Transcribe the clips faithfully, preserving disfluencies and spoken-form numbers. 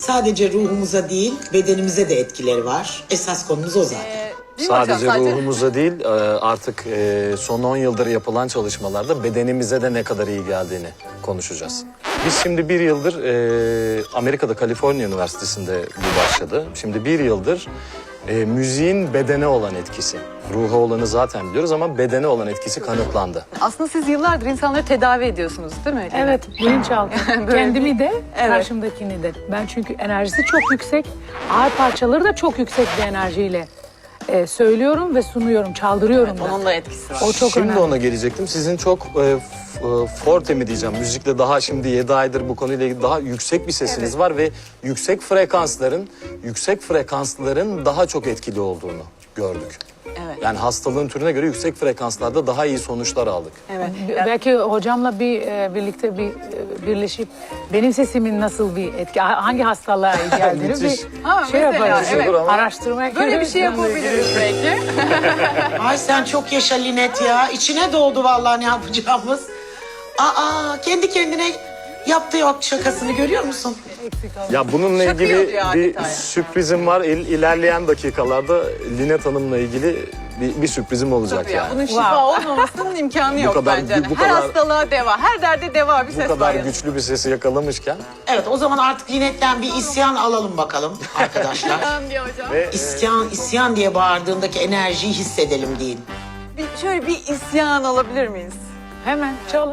sadece ruhumuza değil, bedenimize de etkileri var. Esas konumuz o zaten. Ee, değil mi Sadece hocam? Sadece ruhumuza değil, e, artık e, son on yıldır yapılan çalışmalarda bedenimize de ne kadar iyi geldiğini konuşacağız. Biz şimdi bir yıldır e, Amerika'da Kaliforniya Üniversitesi'nde bu başladı. Şimdi bir yıldır e, müziğin bedene olan etkisi. Ruha olanı zaten biliyoruz ama bedene olan etkisi kanıtlandı. Aslında siz yıllardır insanları tedavi ediyorsunuz değil mi? Evet, bilinçaltı. Böyle Kendimi de, Evet. karşımdakini de. Ben çünkü enerjisi çok yüksek, ağır parçaları da çok yüksek bir enerjiyle e, söylüyorum ve sunuyorum, çaldırıyorum da. Onun da etkisi var. O çok Şimdi önemli. ona gelecektim. Sizin çok e, f- e, forte mi diyeceğim, müzikle daha şimdi yedi aydır bu konuyla ilgili daha yüksek bir sesiniz var ve yüksek frekansların, yüksek frekansların daha çok etkili olduğunu gördük. Evet. Yani hastalığın türüne göre yüksek frekanslarda daha iyi sonuçlar aldık. Evet. B- Belki hocamla bir e, birlikte bir e, birleşip benim sesimin nasıl bir etki, ha- hangi hastalığa iyi geldiğini Müthiş. bir Ha, şey mesela, yaparız. evet. Araştırmaya Böyle bir şey gireriz. yapabiliriz belki. Ay sen çok yaşa Linet ya. İçine doğdu vallahi ne yapacağımız. Aa, kendi kendine yaptığı yok şakasını görüyor musun? Ya bununla Şaka ilgili yapıyor bir adeta ya. sürprizim var. İl, ilerleyen dakikalarda Linet Hanım'la ilgili bir, bir sürprizim olacak Tabii ya, yani. bunun şifa olmamasının imkanı yok kadar- bence. bu her kadar- hastalığa deva, her derde deva bir Bu ses kadar var. yani. güçlü bir sesi yakalamışken Evet, o zaman artık Linet'ten bir isyan alalım bakalım arkadaşlar. Tamam diyor hocam. ve İsyan, isyan diye bağırdığındaki enerjiyi hissedelim deyin. Bir, şöyle bir isyan alabilir miyiz? Hemen çalın.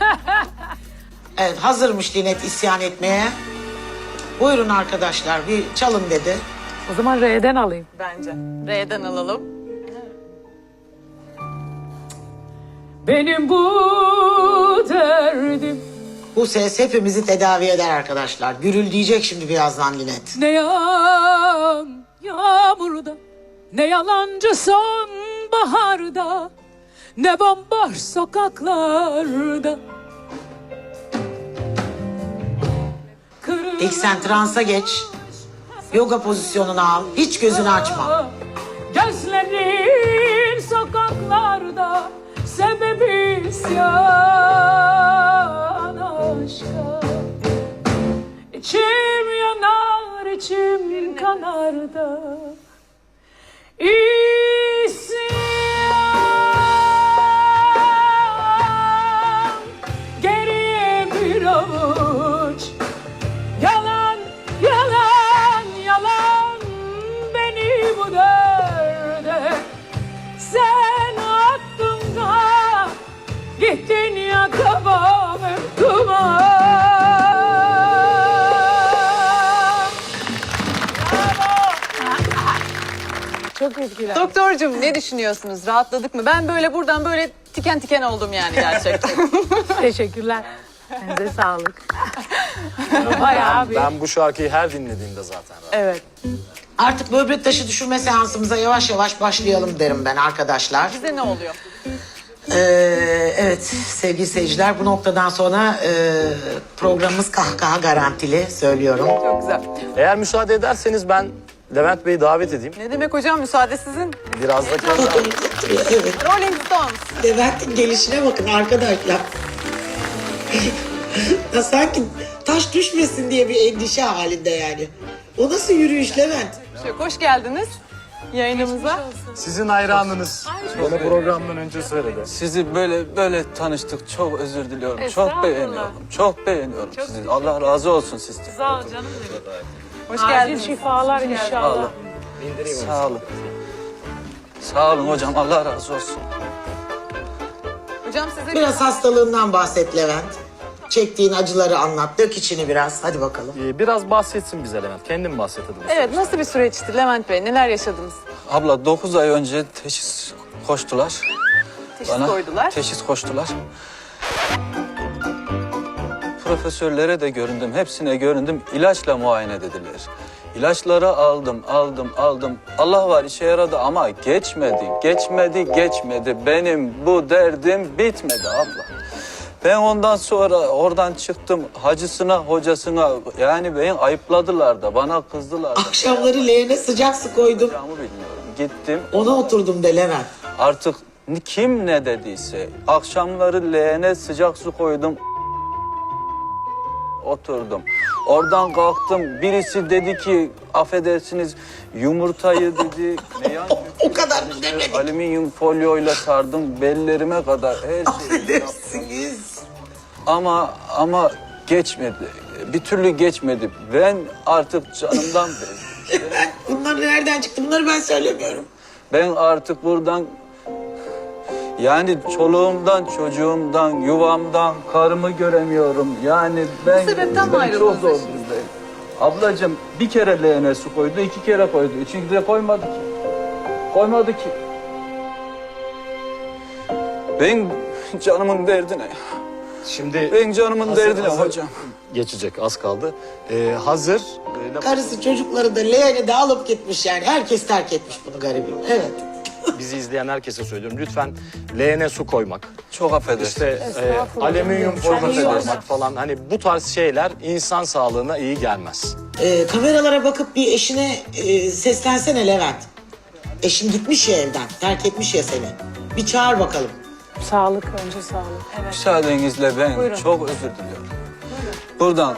Evet, hazırmış Linet isyan etmeye. Buyurun arkadaşlar, bir çalın dedi. O zaman R'den alayım. Bence. R'den alalım. Benim bu derdim Bu ses hepimizi tedavi eder arkadaşlar. Gürül diyecek şimdi birazdan Linet. ne yağan yağmurda, ne yalancı sonbaharda, ne bomboş sokaklarda. İlk sen transa geç. Yoga pozisyonunu al. Hiç gözünü açma. Gözlerin sokaklarda, sebebi isyan aşka. İçim yanar, içim kanar da İsyan. Geriye bir avuç yalan, yalan, yalan beni bu derde sen attın da gittin ya tamamen duman. Çok etkiler. Doktorcum ne düşünüyorsunuz? Rahatladık mı? Ben böyle buradan böyle tiken tiken oldum yani gerçekten. Teşekkürler. Size sağlık. Bayağı bir. ben bu şarkıyı her dinlediğimde zaten Evet. Artık böbrek taşı düşürme seansımıza yavaş yavaş başlayalım derim ben arkadaşlar. Bize ne oluyor? Ee, evet sevgili seyirciler, bu noktadan sonra e, programımız kahkaha garantili söylüyorum. Çok güzel. Eğer müsaade ederseniz ben Levent Bey'i davet edeyim. Ne demek hocam? Müsaade sizin. Biraz da Evet. Rolling Stones. Levent'in gelişine bakın arkadaşlar. Ya sanki taş düşmesin diye bir endişe halinde yani. O nasıl yürüyüş Levent? Şey, hoş geldiniz yayınımıza. sizin hayranınız. Bana programdan önce söyledi. Sizi böyle böyle tanıştık. Çok özür diliyorum. Estağfurullah. Çok beğeniyorum. Çok beğeniyorum sizi. Allah razı olsun sizden. Sağ ol canım benim. Hoş Acil geldiniz. şifalar inşallah. Sağ olun. Sağ olun hocam. Allah razı olsun. Hocam size Biraz hastalığından bahset Levent. Çektiğin acıları anlat. Dök içini biraz. Hadi bakalım. Ee, biraz bahsetsin bize Levent. Kendin bahset hadi. bu Evet, süreçten. nasıl bir süreçti Levent Bey? Neler yaşadınız? Abla dokuz ay önce teşhis koştular. Teşhis Bana koydular. teşhis koştular. Profesörlere de göründüm. Hepsine göründüm. İlaçla muayene dediler. İlaçları aldım, aldım, aldım. Allah var işe yaradı ama geçmedi, geçmedi, geçmedi. Benim bu derdim bitmedi abla. Ben ondan sonra oradan çıktım hacısına, hocasına. Yani beni ayıpladılar da, bana kızdılar da. Akşamları leğene sıcak su koydum. Yapacağımı bilmiyorum. Gittim. Ona oturdum de Levent. Artık kim ne dediyse akşamları leğene sıcak su koydum. Oturdum. Oradan kalktım. Birisi dedi ki affedersiniz yumurtayı dedi. Ne yan O kadar mı demedik? alüminyum folyoyla sardım bellerime kadar her şeyi. Affedersiniz. Ama ama geçmedi. Bir türlü geçmedi. Ben artık canımdan bezdim. Bunlar nereden çıktı? Bunları ben söylemiyorum. Ben artık buradan yani çoluğumdan, çocuğumdan, yuvamdan, karımı göremiyorum. Yani ben, Bu sebepten mi ben ayrıldınız çok zor eşinizden? durumdayım. Ablacığım bir kere leğene su koydu, iki kere koydu. Üçüncü de koymadı ki. Koymadı ki. Ben canımın derdine. Şimdi Ben canımın hazır- derdine hazır hocam. geçecek, az kaldı. Ee, hazır. Ee, Karısı çocukları da leğeni de alıp gitmiş yani. Herkes terk etmiş bunu garibim. Evet. bizi izleyen herkese söylüyorum. Lütfen leğene su koymak, Çok affedersin. İşte e, Estağfurullah. alüminyum folyo Çok iyi koymak olmaz. falan. Hani bu tarz şeyler insan sağlığına iyi gelmez. Ee, kameralara bakıp bir eşine e, seslensene Levent. Eşin gitmiş ya evden. Terk etmiş ya seni. Bir çağır bakalım. Sağlık, önce sağlık. Evet. Müsaadenizle ben Buyurun. çok özür diliyorum. Buradan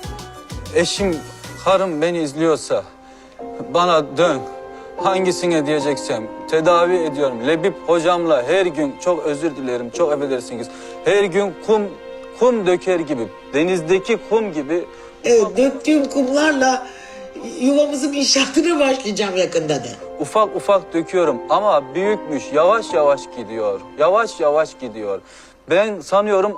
eşim, karım beni izliyorsa bana dön. Hangisine diyeceksem tedavi ediyorum. Lebip hocamla her gün çok özür dilerim, çok affedersiniz. Her gün kum kum döker gibi, denizdeki kum gibi Evet, döktüğüm kumlarla yuvamızın inşaatına başlayacağım yakında de. ufak ufak döküyorum ama büyükmüş, yavaş yavaş gidiyor. Yavaş yavaş gidiyor. Ben sanıyorum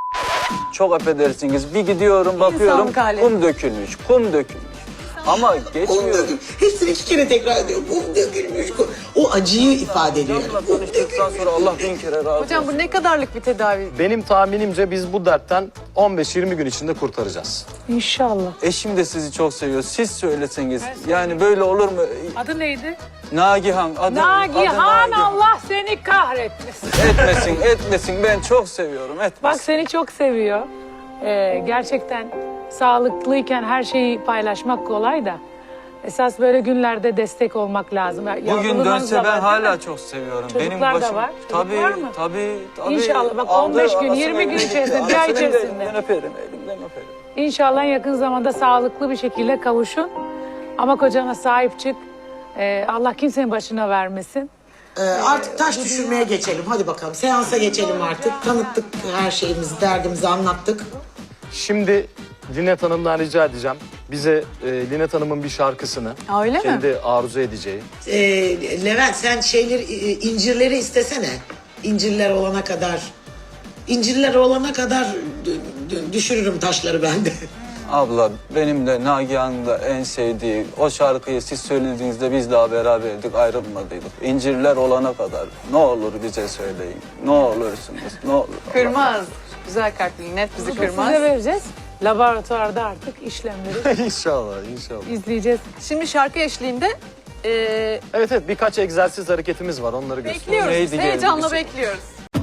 çok affedersiniz. Bir gidiyorum bakıyorum İnsanlık hali. kum dökülmüş, kum dökülmüş. Ama Kum geçmiyor. dökülmüş. Hepsini iki kere tekrar ediyor. Kum dökülmüş. Kum. O acıyı ifade ediyor. Hocamla tanıştıktan sonra Allah bin kere razı olsun. Hocam bu ne kadarlık bir tedavi? Benim tahminimce biz bu dertten on beş yirmi gün içinde kurtaracağız. İnşallah. Eşim de sizi çok seviyor. Siz söyleseniz. Yani böyle olur mu? Adı neydi? Nagihan. Adı, adı Nagihan, Allah seni kahretmesin. Etmesin, etmesin. Ben çok seviyorum. Etmesin. Bak seni çok seviyor. Ee, gerçekten sağlıklıyken her şeyi paylaşmak kolay da. Esas böyle günlerde destek olmak lazım. Bugün Yavruluğunuz dönse da ben var, hala değil mi? çok seviyorum. Çocuklar Benim da başım... var. Çocuk Tabii, var mı? tabii, tabii. İnşallah. Bak, Aldı, on beş gün, anasının yirmi gün elinden içerisinde, gitti. bir ay Anasının içerisinde. elinden öperim, elimden öperim. İnşallah yakın zamanda sağlıklı bir şekilde kavuşun. Ama kocana sahip çık. Ee, Allah kimsenin başına vermesin. Ee, artık taş düşürmeye geçelim. Hadi bakalım. Seansa geçelim artık. Tanıttık her şeyimizi, derdimizi anlattık. Şimdi Linet Hanım'dan rica edeceğim. Bize e, Linet Hanım'ın bir şarkısını Aa, öyle mi? kendi arzu edeceği. Ee, Levent sen şeyleri, e, incirleri istesene. İncirler olana kadar. İncirler olana kadar d- d- düşürürüm taşları ben de. Abla benim de Nagihan'ın da en sevdiği o şarkıyı siz söylediğinizde biz daha beraberdik, ayrılmadıydık. İncirler olana kadar ne olur bize söyleyin. Ne olursunuz, ne olur. Kırmaz. Güzel kalpli, net bizi kırmaz. Size vereceğiz. Laboratuvarda artık işlemleri inşallah, inşallah. izleyeceğiz. Şimdi şarkı eşliğinde e, Evet evet birkaç egzersiz hareketimiz var onları göstereyim. bekliyoruz. Neydi Biz geldi heyecanla bize? bekliyoruz.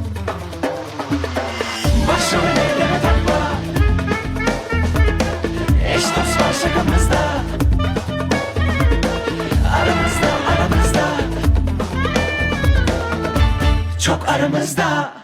Başım ellere takma. Eş dost var şakamızda. Aramızda aramızda. Çok aramızda.